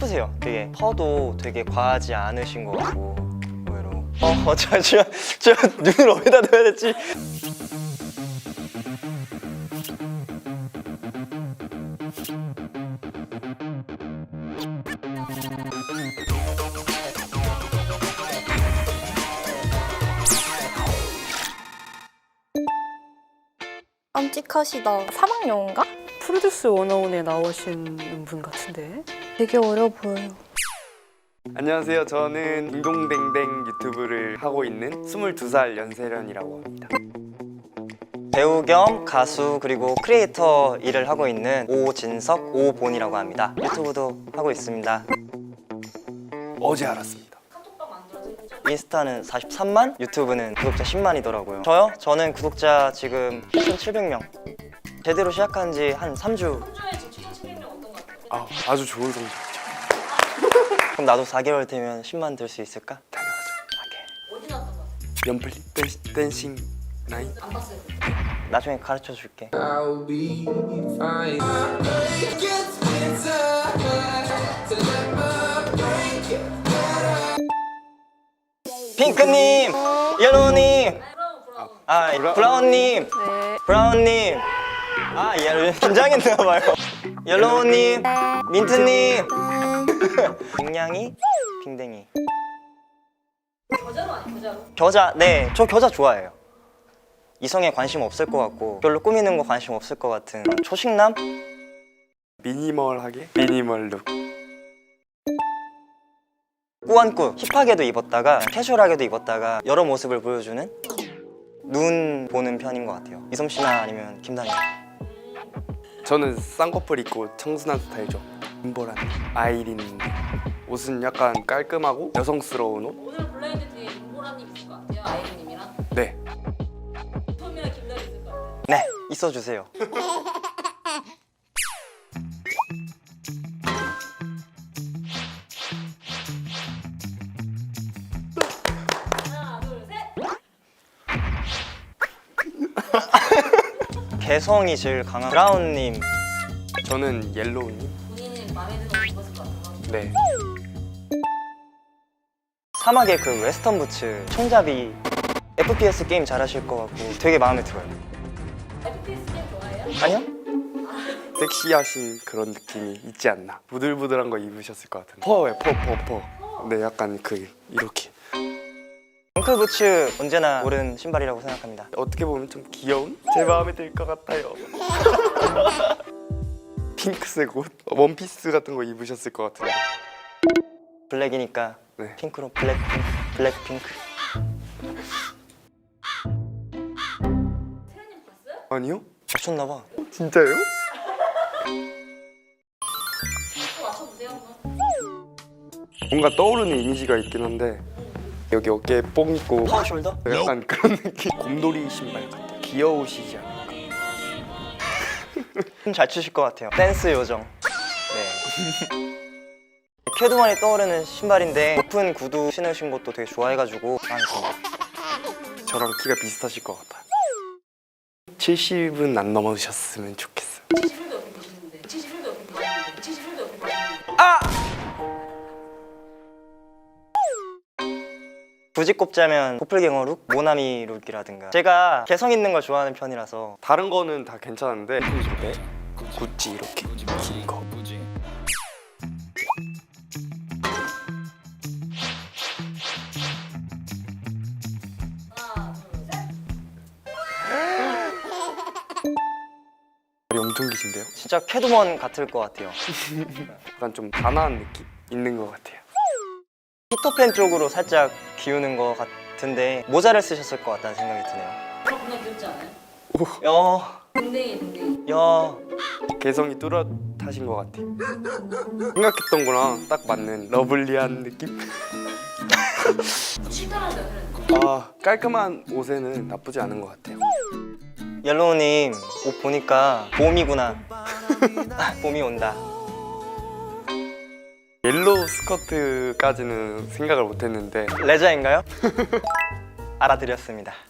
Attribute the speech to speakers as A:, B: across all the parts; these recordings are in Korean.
A: 예쁘세요. 되게 펄도 되게 과하지 않으신 것 같고 의외로. 저 눈을 어디다 둬야 될지.
B: 깜찍하시다. 사막여운가?
C: 프로듀스 101에 나오신 분 같은데?
B: 되게 어려 보여요.
D: 안녕하세요. 저는 딩동댕댕 유튜브를 하고 있는 22살 연세련이라고 합니다.
A: 배우 겸 가수 그리고 크리에이터 일을 하고 있는 오진석, 오본이라고 합니다. 유튜브도 하고 있습니다.
D: 어제 알았습니다.
A: 인스타는 43만, 유튜브는 구독자 10만이더라고요. 저는 구독자 지금 8,700명. 제대로 시작한 지 한 3주.
D: 아주 좋은 성적이죠.
A: 그럼 나도 4개월 되면 10만 될 수 있을까?
D: 당연하죠.
E: 어디 나왔던 거?
D: 연플리 댄싱 나인.
E: 안 봤어요.
A: 나중에 가르쳐 줄게.
F: I'll be fine.
A: 핑크님, 옐로우님, 브라운님,
C: 네.
A: 브라운님. 긴장했나봐요. 옐로우님, 민트님. 빙냥이, 빙댕이.
E: 겨자로 아니 겨자로?
A: 겨자, 네, 저 겨자 좋아해요. 이성에 관심 없을 것 같고 별로 꾸미는 거 관심 없을 것 같은 초식남?
D: 미니멀하게 미니멀 룩.
A: 꾸안꾸, 힙하게도 입었다가 캐주얼하게도 입었다가 여러 모습을 보여주는 눈 보는 편인 것 같아요. 이솜 씨나 아니면 김다니.
D: 저는 쌍꺼풀 있고 청순한 스타일죠. 김보란, 아이린. 옷은 약간 깔끔하고 여성스러운 옷.
E: 오늘 블라인드 뒤에 임보라님 있을 것 같아요. 아이린님이랑
D: 네.
E: 토미랑 김다리 있을 것 같아요.
A: 네, 있어 주세요.
E: 하나 둘 셋.
A: 개성이 제일 강한 브라운님.
D: 저는 옐로우님.
E: 본인은 마음에 드는 옷 입었을 것 같아요.
D: 네.
A: 사막의 그 웨스턴 부츠 총잡이. FPS 게임 잘하실 것 같고 되게 마음에 들어요.
E: FPS 게임 좋아해요?
A: 아니요?
D: 섹시하신 그런 느낌이 있지 않나. 부들부들한 거 입으셨을 것 같은데. 퍼예요, 퍼. 네, 약간 이렇게.
A: 엉클 부츠 언제나 옳은 신발이라고 생각합니다.
D: 어떻게 보면 좀 귀여운? 제 마음에 들 것 같아요. 핑크색 옷, 원피스 같은 거 입으셨을 것 같은데.
A: 블랙이니까
D: 네.
A: 핑크로 블랙핑크.
E: 세련님 봤어요?
D: 아니요?
A: 맞췄나봐.
D: 진짜요?
E: 또 맞춰보세요 한번.
D: 뭔가 떠오르는 이미지가 있긴 한데 여기 어깨에 뽕 있고
A: 파워숄더?
D: 약간 그런 느낌. 곰돌이 신발 같아요. 귀여우시지 않을까.
A: 잘 추실 것 같아요. 댄스 요정. 네. 캐두만이 떠오르는 신발인데 높은 구두 신으신 것도 되게 좋아해가지고 좋아했습니다.
D: 저랑 키가 비슷하실 것 같아요. 70은 안 넘으셨으면 좋겠어요.
E: 71도 옆에 계시는데 71도 옆에 계시는데 71도 옆에 계시는데
A: 굳이 꼽자면 도플갱어 룩, 모나미 룩이라든가. 제가 개성 있는 걸 좋아하는 편이라서.
D: 다른 거는 다 괜찮은데 네? 구찌 이렇게 긴 거.
E: 하나 둘 셋.
D: 머리 엄청 기신데요?
A: 진짜 캐두먼 같을 것 같아요.
D: 약간 좀 단아한 느낌 있는 것 같아요.
A: 피터팬 쪽으로 살짝 기우는 것 같은데 모자를 쓰셨을 것 같다는 생각이 드네요.
E: 그럼 겁나 귀엽지 않아요? 댕댕이.
A: 야.
D: 개성이 뚜렷하신 것 같아요. 생각했던 거랑 딱 맞는 러블리한 느낌?
E: 실감한다 세련님.
D: 깔끔한 옷에는 나쁘지 않은 것 같아요.
A: 옐로우님 옷 보니까 봄이구나. 봄이 온다.
D: 옐로우 스커트까지는 생각을 못했는데
A: 레자인가요? 알아드렸습니다.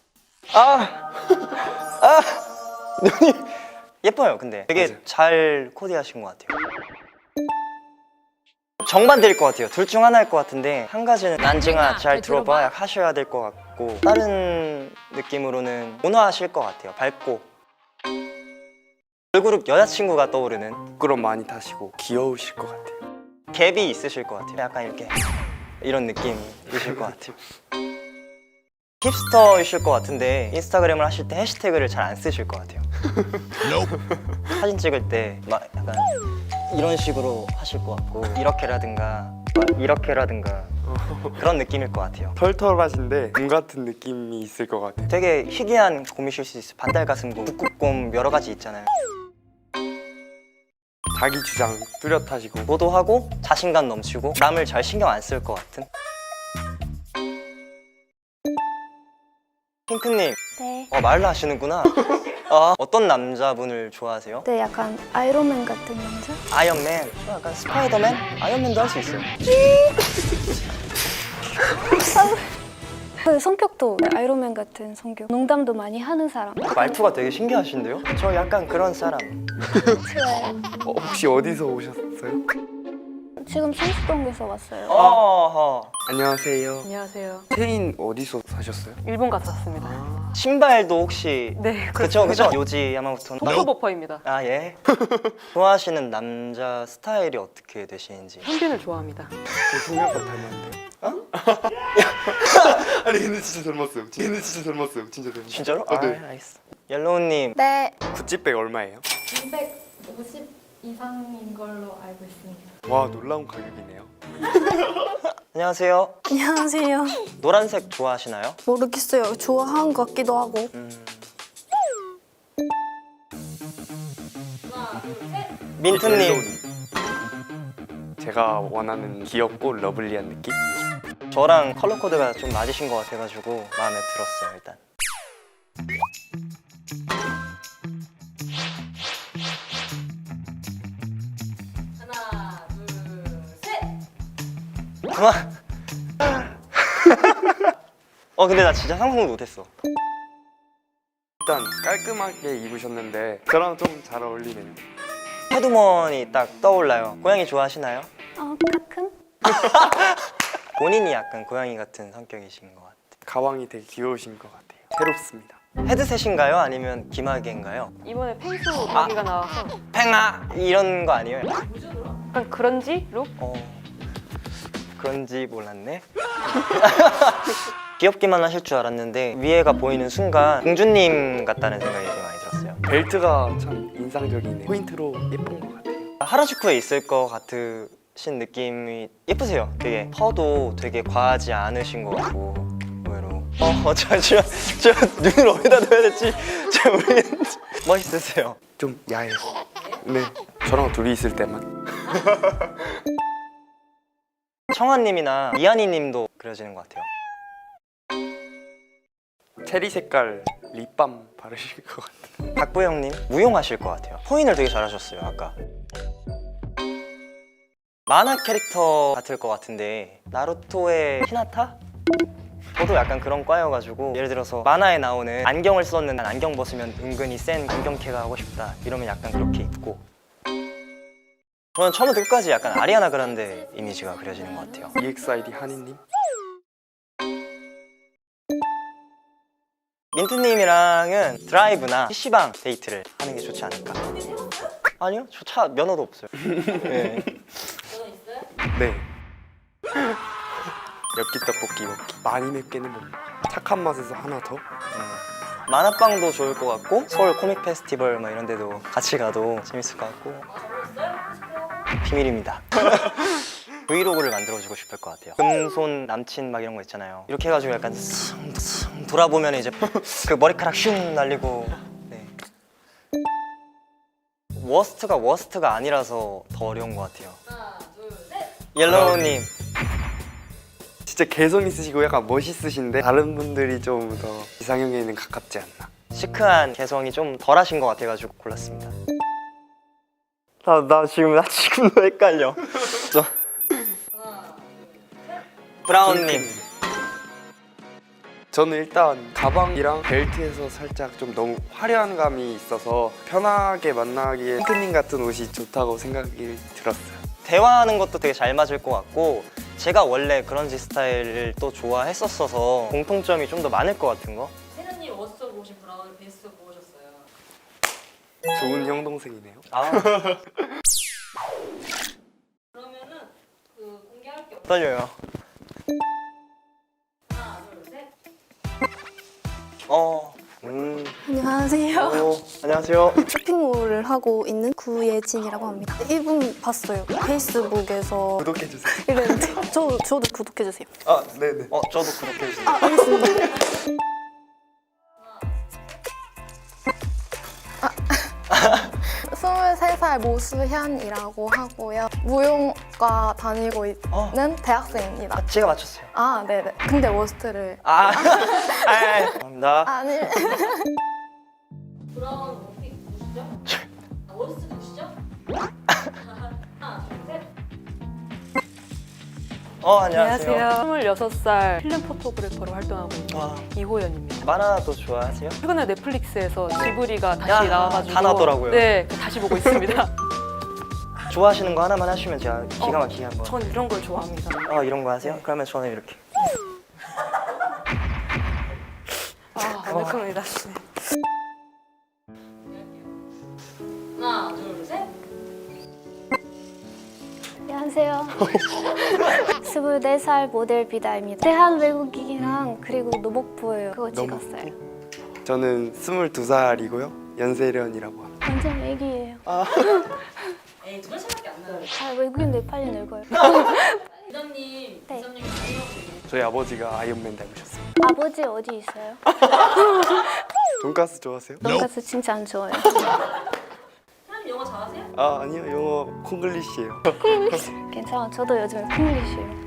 A: 눈이 예뻐요. 근데 되게
D: 맞아요.
A: 잘 코디하신 것 같아요. 정반대일 것 같아요. 둘 중 하나일 것 같은데 한 가지는 난징아 잘 들어봐
E: 들어봐.
A: 하셔야 될 것 같고 다른 느낌으로는 온화하실 것 같아요. 밝고 걸그룹 여자친구가 떠오르는
D: 부끄럼 많이 타시고 귀여우실 것 같아요.
A: 갭이 있으실 것 같아요. 약간 이렇게 이런 느낌이실 것 같아요. 힙스터이실 것 같은데 인스타그램을 하실 때 해시태그를 잘 안 쓰실 것 같아요. 사진 찍을 때 막 약간 이런 식으로 하실 것 같고 이렇게라든가 막 이렇게라든가 그런 느낌일 것 같아요.
D: 털털하신데 곰 같은 느낌이 있을 것 같아요.
A: 되게 희귀한 곰이실 수 있어요. 반달가슴곰, 북극곰 여러 가지 있잖아요.
D: 자기 주장 뚜렷하시고
A: 도도하고 자신감 넘치고 남을 잘 신경 안 쓸 것 같은. 핑크님,
B: 네.
A: 말로 하시는구나. 어떤 남자분을 좋아하세요?
B: 네, 약간 아이론맨 같은 남자?
A: 아이언맨, 저 약간 스파이더맨? 아이언맨도 할 수 있어요.
B: 그 성격도 아이론맨 같은 성격. 농담도 많이 하는 사람.
A: 말투가 되게 신기하신데요? 저 약간 그런 사람.
B: 좋아요.
D: 혹시 어디서 오셨어요?
B: 지금 성수동에서 왔어요.
A: 어허.
D: 안녕하세요.
C: 안녕하세요.
D: 체인 어디서 사셨어요?
C: 일본 갔다 왔습니다.
A: 신발도 혹시
C: 네,
A: 그쵸 그쵸? 요지 야마모토.
C: 토크버퍼입니다.
A: 아 예. 좋아하시는 남자 스타일이 어떻게 되시는지.
C: 현빈을 좋아합니다.
D: 동영상 닮았는데요? 아니 근데 진짜 닮았어요. 진짜 닮았어요. 진짜 닮았어요.
A: 진짜로?
D: 네.
A: 알겠어. 옐로우님
B: 네.
D: 구찌백 얼마예요?
G: 250 이상인 걸로 알고 있습니다.
D: 와 놀라운 가격이네요.
A: 안녕하세요.
B: 안녕하세요.
A: 노란색 좋아하시나요?
B: 모르겠어요. 좋아하는 것 같기도 하고.
A: 민트님
D: 제가 원하는 귀엽고 러블리한 느낌?
A: 저랑 컬러 코드가 좀 맞으신 것 같아가지고 마음에 들었어요 일단.
E: 하나, 둘, 셋.
A: 그만. 근데 나 진짜 상상도 못했어.
D: 일단 깔끔하게 입으셨는데 저랑 좀 잘 어울리네요.
A: 헤드먼이 딱 떠올라요. 고양이 좋아하시나요?
B: 가끔?
A: 본인이 약간 고양이 같은 성격이신 것 같아요.
D: 가방이 되게 귀여우신 것 같아요. 새롭습니다.
A: 헤드셋인가요? 아니면 기마개인가요?
C: 이번에 펭수 가기가 나와서
A: 팽아! 이런 거 아니에요?
C: 약간 그런지 룩?
A: 그런지 몰랐네. 귀엽기만 하실 줄 알았는데 위에가 보이는 순간 공주님 같다는 생각이 되게 많이 들었어요.
D: 벨트가 참 인상적이네요. 포인트로 예쁜 것 같아요.
A: 하라주쿠에 있을 것 같으신 느낌이 예쁘세요. 되게 펄도 되게 과하지 않으신 것 같고 의외로. 잠시만, 저 눈을 어디다 둬야 될지 잘 모르겠는데 멋있으세요.
D: 좀 야해요. 네, 저랑 둘이 있을 때만.
A: 청아님이나 이한이님도 그려지는 것 같아요.
D: 체리 색깔 립밤 바르실 것 같아요.
A: 박보영님 무용하실 것 같아요. 포인을 되게 잘하셨어요 아까. 만화 캐릭터 같을 것 같은데 나루토의 히나타? 저도 약간 그런 과여가지고 예를 들어서 만화에 나오는 안경을 썼는데 안경 벗으면 은근히 센 안경캐가 하고 싶다 이러면 약간 그렇게 입고 저는 처음부터 끝까지 약간 아리아나 그란데 이미지가 그려지는 것 같아요.
D: EXID 한이님.
A: 민트님이랑은 드라이브나 PC방 데이트를 하는 게 좋지 않을까. 아니요, 저 차 면허도 없어요. 네.
D: 네. 엽기 떡볶이 먹기. 많이 맵게는 못 먹어요. 착한 맛에서 하나 더.
A: 만화방도 좋을 것 같고 서울 코믹 페스티벌 뭐 이런 데도 같이 가도 재밌을 것 같고. 비밀입니다. 브이로그를 만들어주고 싶을 것 같아요. 금손 남친 막 이런 거 있잖아요. 이렇게 해가지고 약간 슥슥 돌아보면 이제 그 머리카락 슝 날리고. 네. 워스트가 아니라서 더 어려운 것 같아요.
E: 하나, 둘, 셋.
A: 옐로우님
D: 진짜 개성 있으시고 약간 멋있으신데 다른 분들이 좀 더 이상형에는 가깝지 않나.
A: 시크한 개성이 좀 덜하신 것 같아가지고 골랐습니다. 나 지금도 헷갈려. 브라운님
D: 저는 일단 가방이랑 벨트에서 살짝 좀 너무 화려한 감이 있어서 편하게 만나기에 핑크님 같은 옷이 좋다고 생각이 들었어요.
A: 대화하는 것도 되게 잘 맞을 것 같고 제가 원래 그런지 스타일을 또 좋아했었어서 공통점이 좀 더 많을 것 같은 거.
E: 세련님 어디서 보신 브라운 베스트 보셨어요?
D: 좋은 형 동생이네요.
A: 아,
E: 그러면은 그 공개할 게 없어요.
A: 떨려요.
E: 하나, 둘, 셋.
H: 안녕하세요.
A: 안녕하세요.
H: 쇼핑몰을 하고 있는 구예진이라고 합니다. 이분 봤어요. 페이스북에서
D: 구독해주세요.
H: 이랬는데 저도 구독해주세요.
D: 아, 네네.
A: 저도 구독해주세요.
H: 알겠습니다. 23살 모수현이라고 하고요. 무용과 다니고 있는 대학생입니다.
A: 제가 맞췄어요.
H: 아, 네네. 근데 워스트를
A: 감사합니다.
H: 아니.
E: 브라운 원픽 누구시죠? 원스 누구시죠? 하나, 둘, 셋.
A: 안녕하세요.
C: 26살 필름 포토그래퍼로 활동하고 있는
A: 와,
C: 이호연입니다.
A: 만화도 좋아하세요?
C: 최근에 넷플릭스에서 지브리가 다시 나와가지고
A: 다 나오더라고요.
C: 네, 다시 보고 있습니다.
A: 좋아하시는 거 하나만 하시면 제가 기가 막히게 한번.
C: 전 이런 걸 좋아합니다.
A: 이런 거 하세요? 그러면 저는 이렇게.
C: 완벽합니다.
E: 하나, 둘, 셋.
B: 안녕하세요. 24살 모델 비다입니다. 대한 외국인이랑 그리고 노복부예요. 그거 찍었어요.
D: 저는 22살이고요. 연세련이라고 합니다.
B: 완전 애기예요.
E: 에이, 2살밖에 안 나요.
B: 외국인들 빨리 늙어요.
E: 이장님,
B: 네.
E: 이장님
D: 저희 아버지가 아이언맨 닮으셨어요.
B: 아버지 어디 있어요?
D: 돈가스 좋아하세요?
B: 돈가스 진짜 안 좋아해요.
E: 사장님 영어 잘하세요?
D: 아, 아니요. 영어 콩글리시예요.
B: 괜찮아. 저도 요즘에 콩글리시예요.